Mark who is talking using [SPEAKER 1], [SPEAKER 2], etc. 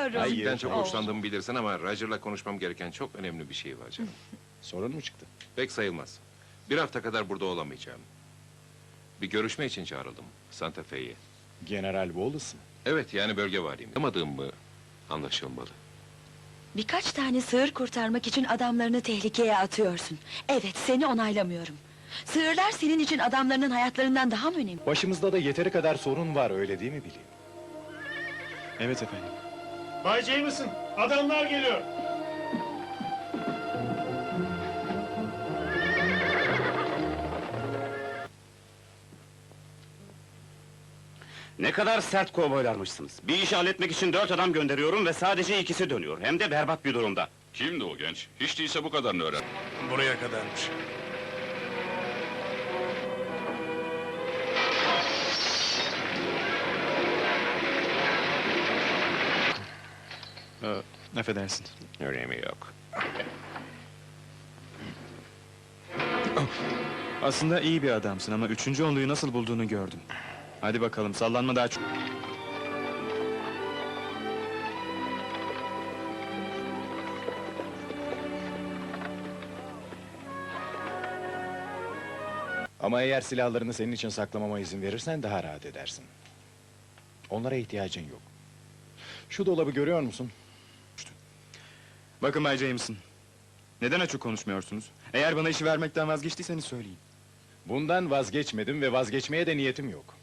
[SPEAKER 1] biliyorum.
[SPEAKER 2] Hayır.
[SPEAKER 3] Ben çok
[SPEAKER 1] Oh.
[SPEAKER 3] hoşlandığımı bilirsin ama Roger'la konuşmam gereken çok önemli bir şey var canım.
[SPEAKER 2] Sorun mu çıktı?
[SPEAKER 3] Pek sayılmaz. Bir hafta kadar burada olamayacağım. Bir görüşme için çağrıldım Santa Fe'ye.
[SPEAKER 2] General Wallace mı?
[SPEAKER 3] Evet, yani bölge valiyim. Anlamadığım mı anlaşılmalı.
[SPEAKER 1] Birkaç tane sığır kurtarmak için adamlarını tehlikeye atıyorsun. Evet, seni onaylamıyorum. Sığırlar senin için adamlarının hayatlarından daha mı önemli?
[SPEAKER 2] Başımızda da yeteri kadar sorun var, öyle değil mi Billy?
[SPEAKER 4] Evet efendim.
[SPEAKER 5] Bay Jameson, adamlar geliyor.
[SPEAKER 6] Ne kadar sert kovboylarmışsınız. Bir işi halletmek için 4 adam gönderiyorum ve sadece ikisi dönüyor. Hem de berbat bir durumda.
[SPEAKER 7] Kimdi o genç? Hiç değilse bu kadarını öğren.
[SPEAKER 5] Buraya kadarmış.
[SPEAKER 4] Affedersin.
[SPEAKER 3] Önemi yok.
[SPEAKER 4] Aslında iyi bir adamsın ama 3. onluyu nasıl bulduğunu gördüm. Hadi bakalım, sallanma daha çok.
[SPEAKER 2] Ama eğer silahlarını senin için saklamama izin verirsen daha rahat edersin. Onlara ihtiyacın yok. Şu dolabı görüyor musun?
[SPEAKER 4] Bakın Bay Jameson. Neden açık konuşmuyorsunuz? Eğer bana işi vermekten vazgeçtiyseniz söyleyin.
[SPEAKER 2] Bundan vazgeçmedim ve vazgeçmeye de niyetim yok.